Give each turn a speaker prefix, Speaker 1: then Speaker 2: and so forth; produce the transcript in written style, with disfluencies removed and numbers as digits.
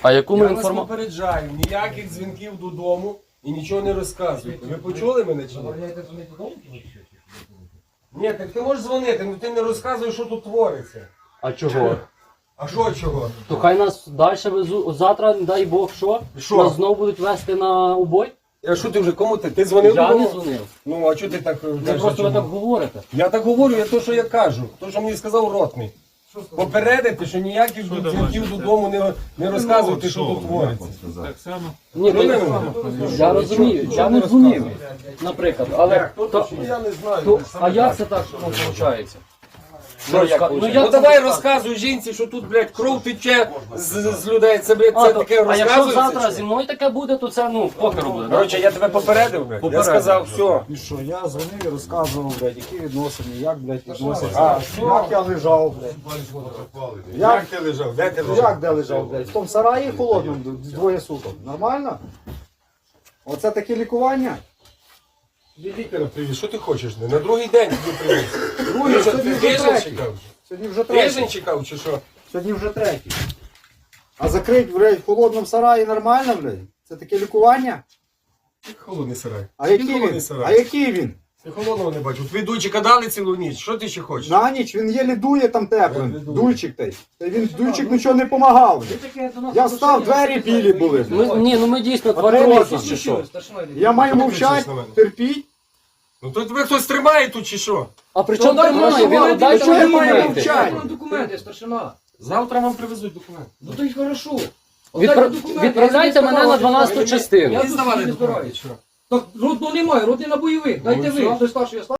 Speaker 1: А яку ми
Speaker 2: Я вас
Speaker 1: інформацію?
Speaker 2: попереджаю, ніяких дзвінків додому і нічого не розказуйте. Ви почули мене чи ні? Ні, так ти можеш дзвонити, але ти не розказуєш, що тут твориться.
Speaker 1: А чого?
Speaker 2: А що чого?
Speaker 1: То хай нас далі везуть. Завтра, дай Бог, що?
Speaker 2: Що?
Speaker 1: Нас знову будуть вести на убой?
Speaker 2: А що ти вже кому ти? Ти дзвонив
Speaker 1: Я
Speaker 2: додому?
Speaker 1: не дзвонив.
Speaker 2: Ну, а чого ти так
Speaker 1: Ви
Speaker 2: кажеш?
Speaker 1: просто ви
Speaker 2: чому?
Speaker 1: так говорите.
Speaker 2: Я так говорю, я то, що я кажу. То, що мені сказав ротний. Попередити, що ніяких дзвінків додому не розказуйте, що тут твориться.
Speaker 3: Так само.
Speaker 1: Ні,
Speaker 2: Ну,
Speaker 1: я розумію, я не дзвонив, наприклад. Але
Speaker 2: Я не знаю.
Speaker 1: а як це так виходить?
Speaker 2: Ну давай розказуй жінці, що тут, блядь, кров тече з людей. Це, блядь, це таке
Speaker 1: А якщо
Speaker 2: розказується.
Speaker 1: завтра
Speaker 2: чи
Speaker 1: зі
Speaker 2: що?
Speaker 1: мною таке буде, то це, ну, покеру буде. да?
Speaker 2: Коротше, я тебе попередив, блядь. Я
Speaker 1: Попередив.
Speaker 2: сказав, все.
Speaker 4: І що, я дзвонив і розказував, блядь, які відносини, як, блядь, відносяться.
Speaker 2: А,
Speaker 4: Як я лежав, блядь.
Speaker 2: Як ти лежав? Де ти лежав?
Speaker 4: Як де лежав, блядь? В тому сараї холодному двоє суток. Нормально? Оце таке лікування?
Speaker 2: Ти лікаря привіз, що ти хочеш? На другий день тобі привіз.
Speaker 4: Другий,
Speaker 2: Ти
Speaker 4: сьогодні вже
Speaker 2: тиждень
Speaker 4: третій.
Speaker 2: чекав?
Speaker 4: Сьогодні вже
Speaker 2: Тиждень
Speaker 4: третій.
Speaker 2: чекав чи що?
Speaker 4: Сьогодні вже третій. А закрить, блядь, в холодному сараї нормально, блядь? Це таке лікування?
Speaker 2: Холодний сарай.
Speaker 4: А який
Speaker 2: холодний
Speaker 4: він?
Speaker 2: сарай.
Speaker 4: А який він?
Speaker 2: Ти холодного не бачив. Твій дуйчика дали цілу ніч. Що ти ще хочеш?
Speaker 4: На ніч він єлі дує там теплим.
Speaker 2: Як дує?
Speaker 4: Дуйчик той. Та він дуйчик нічого не помагав. Я встав, двері білі були.
Speaker 1: Ні, ну ми дійсно
Speaker 4: Матросом.
Speaker 1: тварини якісь чи що.
Speaker 4: Я маю
Speaker 2: Що ти
Speaker 4: мовчати,
Speaker 2: кричиш на мене?
Speaker 4: терпіть.
Speaker 2: Ну то тебе хтось тримає тут чи що?
Speaker 1: А при чому тримає? Ви дайте
Speaker 4: чого
Speaker 1: мені
Speaker 4: немає
Speaker 1: документи.
Speaker 4: мовчання?
Speaker 5: Документи, старшина.
Speaker 2: Завтра вам привезуть документи.
Speaker 5: Ну то й хорошо.
Speaker 1: Відправляйте мене на 12-ту частину.
Speaker 5: Я
Speaker 2: Ви
Speaker 5: тут
Speaker 2: здавали
Speaker 5: не
Speaker 2: документи?
Speaker 5: збираюсь.
Speaker 2: Що?
Speaker 5: Так, родного немає, родний на бойових. Дайте
Speaker 2: Ну,
Speaker 5: ви,
Speaker 2: все.
Speaker 5: хто старший, я старший.